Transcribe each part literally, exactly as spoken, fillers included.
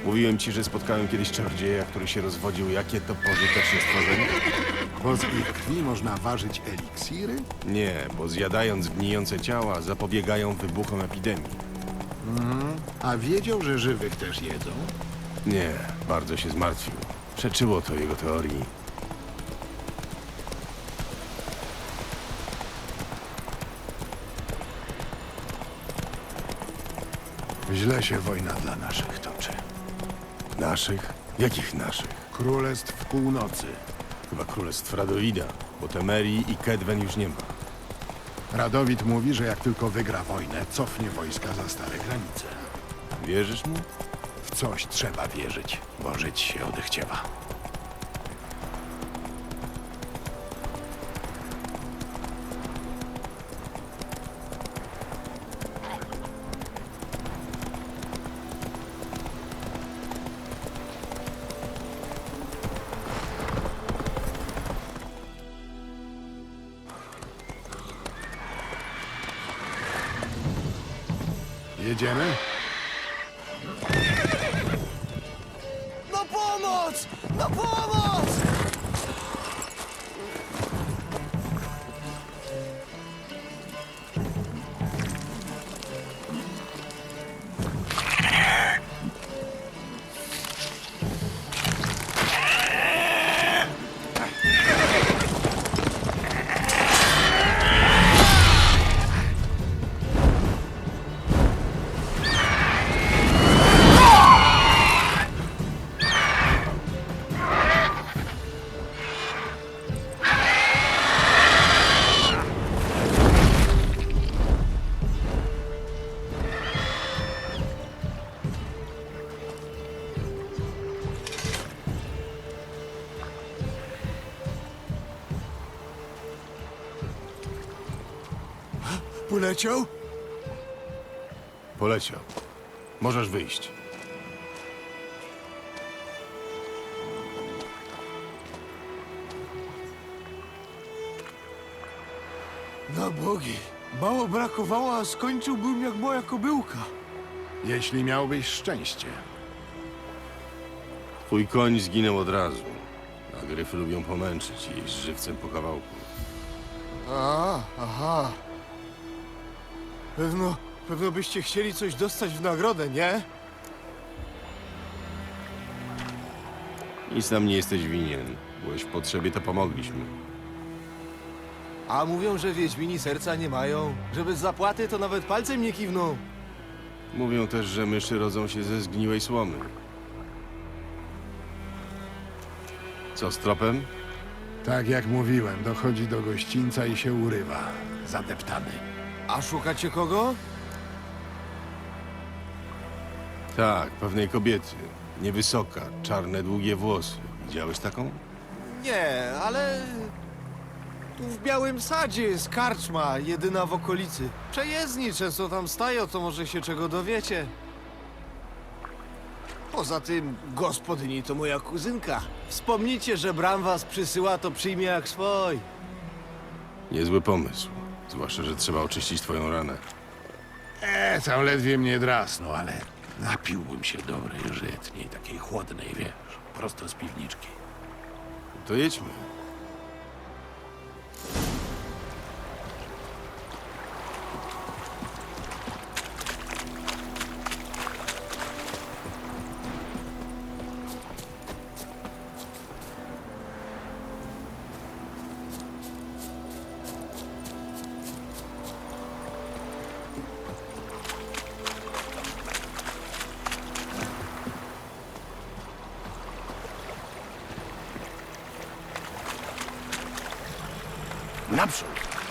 Mówiłem ci, że spotkałem kiedyś czarodzieja, który się rozwodził. Jakie to pożyteczne stworzenie? Bo z ich krwi można ważyć eliksiry? Nie, bo zjadając gnijące ciała zapobiegają wybuchom epidemii. A wiedział, że żywych też jedzą? Nie, bardzo się zmartwił. Przeczyło to jego teorii. Źle się wojna dla naszych toczy. Naszych? Jakich naszych? Królestw Północy. Chyba królestw Radowida, bo Temerii i Kedwen już nie ma. Radowid mówi, że jak tylko wygra wojnę, cofnie wojska za stare granice. Wierzysz mu? W coś trzeba wierzyć, bo żyć się odechciewa. Jedziemy? Na pomoc! Na pomoc! Poleciał? Poleciał. Możesz wyjść. Na bogi. Mało brakowało, a skończyłbym jak moja kobyłka. Jeśli miałbyś szczęście. Twój koń zginął od razu. A gryfy lubią pomęczyć i jeść żywcem po kawałku. A, aha. Pewno, pewno byście chcieli coś dostać w nagrodę, nie? Nic nam nie jesteś winien. Byłeś w potrzebie, to pomogliśmy. A mówią, że wiedźmini serca nie mają. Że bez zapłaty to nawet palcem nie kiwną. Mówią też, że myszy rodzą się ze zgniłej słomy. Co z tropem? Tak jak mówiłem, dochodzi do gościńca i się urywa. Zadeptany. A szukacie kogo? Tak, pewnej kobiety. Niewysoka, czarne, długie włosy. Widziałeś taką? Nie, ale... Tu w Białym Sadzie jest karczma, jedyna w okolicy. Przejezdni często tam stają, to może się czego dowiecie. Poza tym, gospodyni to moja kuzynka. Wspomnijcie, że Bram was przysyła, to przyjmie jak swój. Niezły pomysł. Zwłaszcza, że trzeba oczyścić twoją ranę. E, tam ledwie mnie drasnął, ale napiłbym się dobrej żytniej, takiej chłodnej, wiesz, prosto z piwniczki. To jedźmy. Naprzód!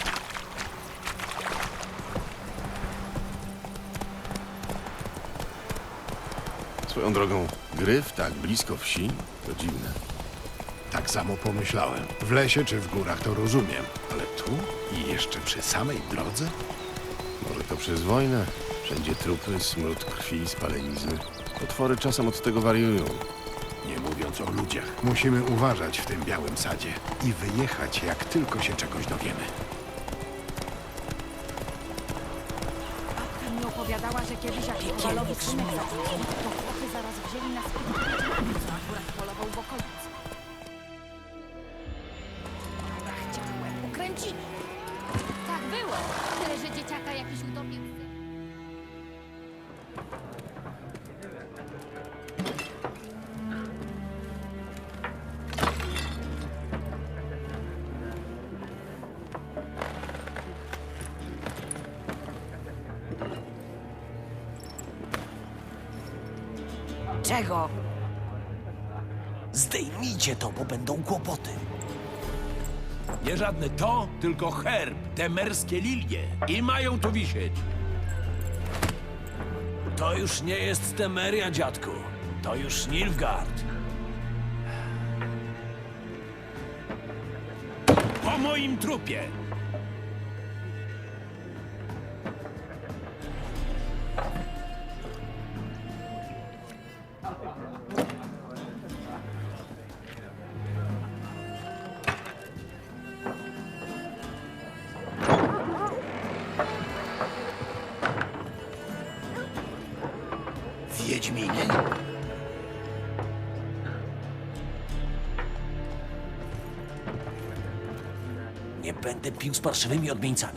Swoją drogą, gryf tak blisko wsi? To dziwne. Tak samo pomyślałem. W lesie czy w górach to rozumiem, ale tu i jeszcze przy samej drodze? Może to przez wojnę? Wszędzie trupy, smród krwi, spalenizny. Potwory czasem od tego wariują. Nie mówiąc o ludziach. Musimy uważać w tym Białym Sadzie i wyjechać, jak tylko się czegoś dowiemy. mi opowiadała, że kiedyś jak Kowalowi synek zaginął, to chłopy zaraz wzięli na spódniczkę, co akurat polował w okolicy. Chciałem ukręcili. Tak było. Tyle, że dzieciaka jakiś utopił. Czego? Zdejmijcie to, bo będą kłopoty. Nie żadne to, tylko herb, te merskie lilie. I mają tu wisieć. To już nie jest Temeria, dziadku. To już Nilfgaard. Po moim trupie! Wiedźminie? Nie będę pił z parszywymi odmieńcami.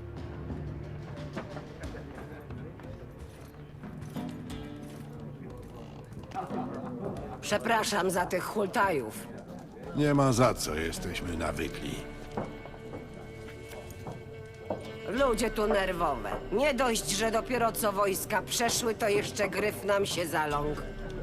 Przepraszam za tych hultajów. Nie ma za co, jesteśmy nawykli. Ludzie tu nerwowe. Nie dość, że dopiero co wojska przeszły, to jeszcze gryf nam się zaląkł.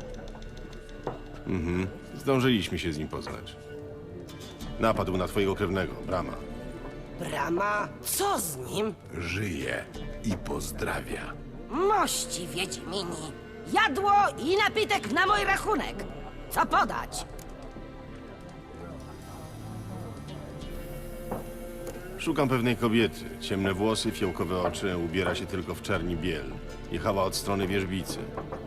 Zdążyliśmy się z nim poznać. Napadł na twojego krewnego, Brama. Brama? Co z nim? Żyje i pozdrawia. Mości Wiedźmini. Jadło i napitek na mój rachunek. Co podać? Szukam pewnej kobiety. Ciemne włosy, fiołkowe oczy, ubiera się tylko w czarni biel. Jechała od strony wierzbicy.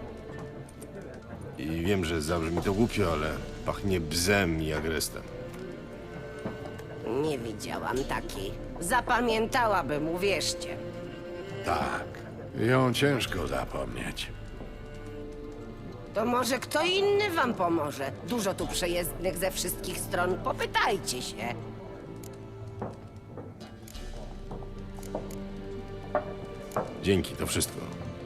I wiem, że zabrzmi to głupio, ale pachnie bzem i agrestem. Nie widziałam takiej. Zapamiętałabym, uwierzcie. Tak, ją ciężko zapomnieć. To może kto inny wam pomoże? Dużo tu przejezdnych ze wszystkich stron. Popytajcie się. Dzięki, to wszystko.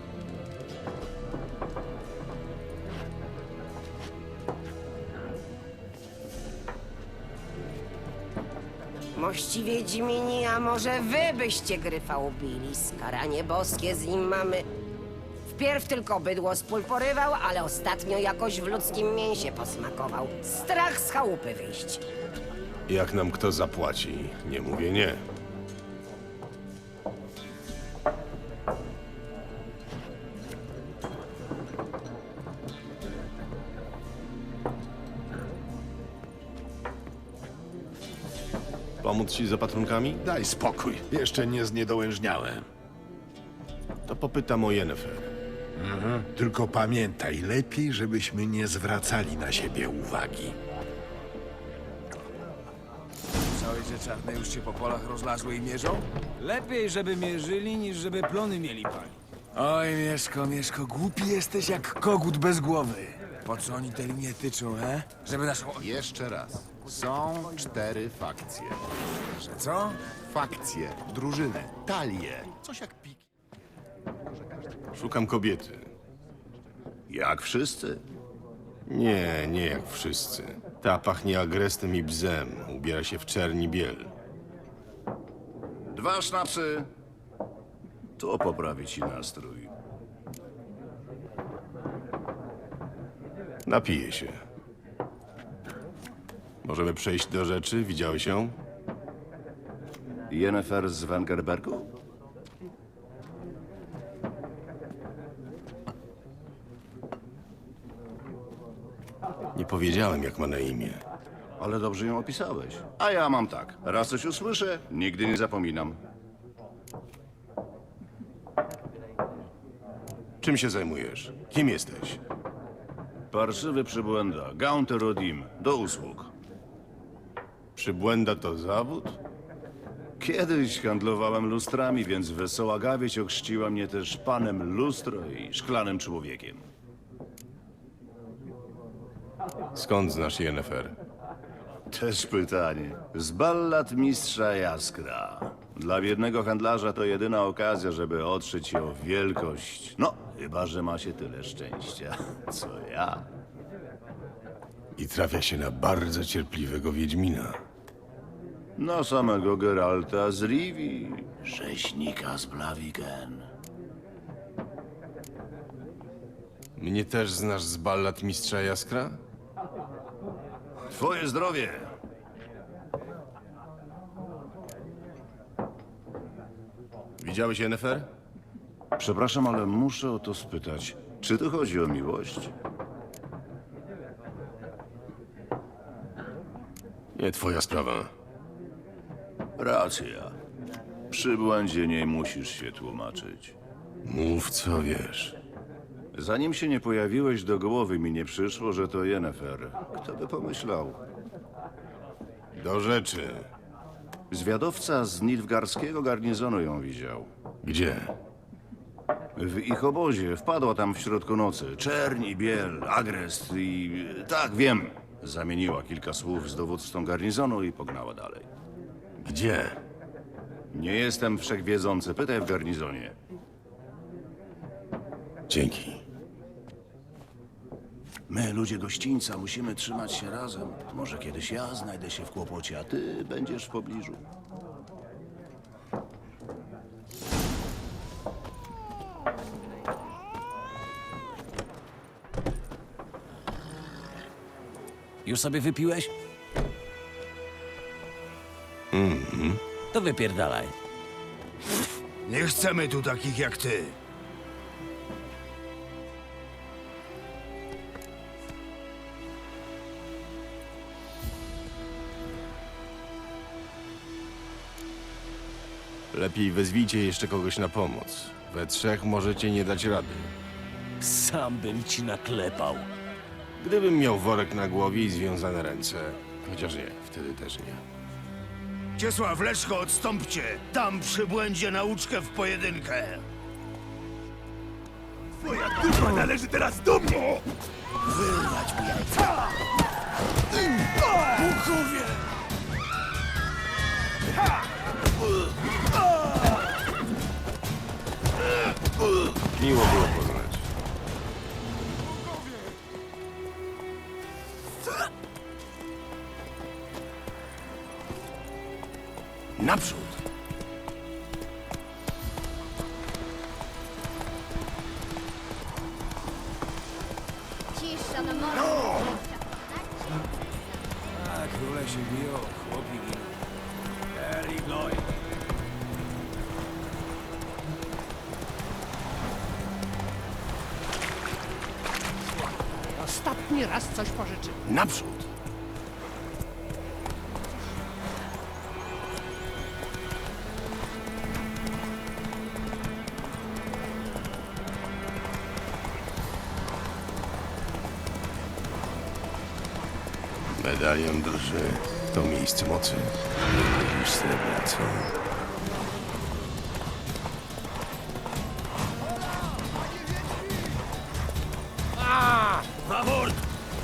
Mości Wiedźmini, a może wy byście gryfa ubili? Skaranie boskie z nim mamy. Wpierw tylko bydło z pól porywał, ale ostatnio jakoś w ludzkim mięsie posmakował. Strach z chałupy wyjść. Jak nam kto zapłaci, nie mówię nie. Pomóc ci z opatrunkami? Daj spokój, jeszcze nie zniedołężniałem. To popytam o Yennefer. Tylko pamiętaj, lepiej, żebyśmy nie zwracali na siebie uwagi. Słyszałeś, że czarne już się po polach rozlazły i mierzą? Lepiej, żeby mierzyli, niż żeby plony mieli palić. Oj, Mieszko, Mieszko, głupi jesteś jak kogut bez głowy. Po co oni te linie tyczą, he? Żeby naszą... Jeszcze raz. Są cztery fakcje. Że co? Fakcje, drużyny, talie. Coś jak piki. Szukam kobiety. Jak wszyscy? Nie, nie jak wszyscy. Ta pachnie agrestem i bzem. Ubiera się w czerni biel. Dwa sznapsy. To poprawi ci nastrój. Napiję się. Możemy przejść do rzeczy? Widziałeś ją? Yennefer z Wengerbergu? Nie powiedziałem, jak ma na imię. Ale dobrze ją opisałeś. A ja mam tak. Raz coś usłyszę, nigdy nie zapominam. Czym się zajmujesz? Kim jesteś? Parszywy przybłęda. Gaunter Odim. Do usług. Przybłęda to zawód? Kiedyś handlowałem lustrami, więc wesoła gawieć ochrzciła mnie też panem lustro i szklanym człowiekiem. Skąd znasz Yennefer? Też pytanie. Z ballad mistrza Jaskra. Dla biednego handlarza to jedyna okazja, żeby otrzeć się o wielkość. No, chyba że ma się tyle szczęścia, co ja. I trafia się na bardzo cierpliwego Wiedźmina. No samego Geralta z Rivii, rzeźnika z Blaviken. Mnie też znasz z ballad mistrza Jaskra? Twoje zdrowie! Widziałeś Yennefer? Przepraszam, ale muszę o to spytać. Czy tu chodzi o miłość? Nie twoja sprawa. Racja. Przy błędzie nie musisz się tłumaczyć. Mów co wiesz. Zanim się nie pojawiłeś, do głowy mi nie przyszło, że to Yennefer. Kto by pomyślał? Do rzeczy. Zwiadowca z nilfgaardzkiego garnizonu ją widział. Gdzie? W ich obozie wpadła tam w środku nocy. Czerń i biel, agrest i... Tak, wiem. Zamieniła kilka słów z dowódcą garnizonu i pognała dalej. Gdzie? Nie jestem wszechwiedzący. Pytaj w garnizonie. Dzięki. My, ludzie gościńca, musimy trzymać się razem. Może kiedyś ja znajdę się w kłopocie, a ty będziesz w pobliżu. Już sobie wypiłeś? Mhm. To wypierdalaj. Nie chcemy tu takich jak ty. Lepiej wezwijcie jeszcze kogoś na pomoc. We trzech możecie nie dać rady. Sam bym ci naklepał. Gdybym miał worek na głowie i związane ręce. Chociaż nie, wtedy też nie. Ciesław, Leszko, odstąpcie! Dam przy błędzie nauczkę w pojedynkę! Twoja dupa należy teraz do mnie! Wyrwać mi jajca! Bukowie! Miło było poznać. Naprzód! Cisza na morze. A, króle się biją, chłopi giną. Eli Gloy. Ostatni raz coś pożyczył. Naprzód! Medalion drży. To miejsce mocy. Niż srebrna, co? Fawort!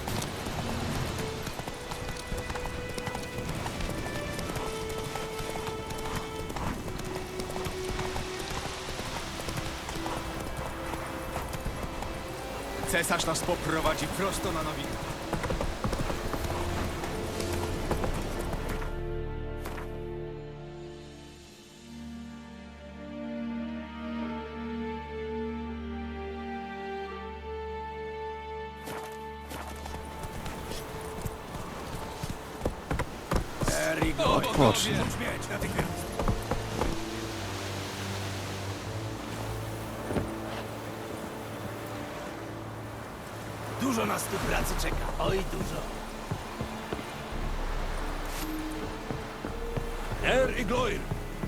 Cesarz nas poprowadzi prosto na nowinę. Odpocznij. Dużo nas tu pracy czeka. Oj, dużo. Er i Gloir!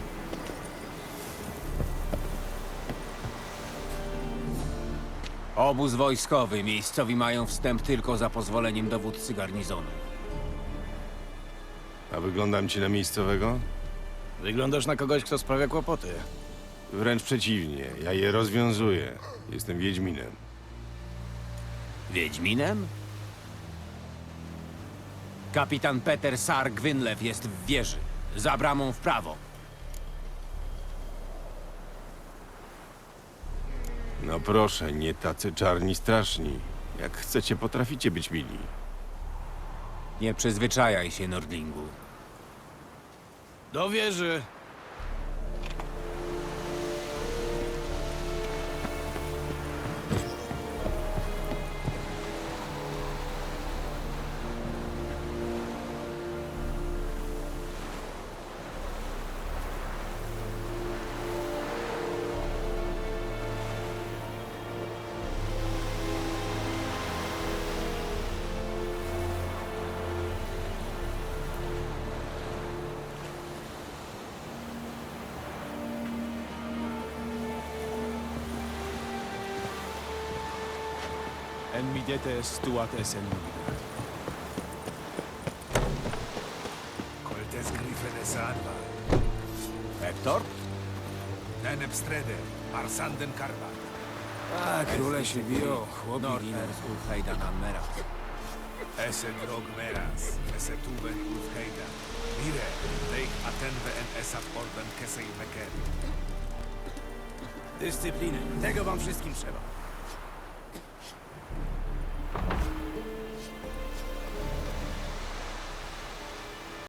Obóz wojskowy. Miejscowi mają wstęp tylko za pozwoleniem dowódcy garnizonu. A wyglądam ci na miejscowego? Wyglądasz na kogoś, kto sprawia kłopoty. Wręcz przeciwnie, ja je rozwiązuję. Jestem Wiedźminem. Wiedźminem? Kapitan Peter Sar Gwynlew jest w wieży. Za bramą w prawo. No proszę, nie tacy czarni straszni. Jak chcecie, potraficie być mili. Nie przyzwyczajaj się, Nordlingu. Do wieży! En midete stuat esen Coltes Griffenes Anva, Hektor? Nenepstrede, Arsanden Karbat. A, króle się biją, chłopi giną. Norfer z Ulfheida Mera. Ese drog meras, ese tuben Ulfheida. Mire, leich atenve en esat orden kesej meker. Dyscypliny. Tego wam wszystkim trzeba.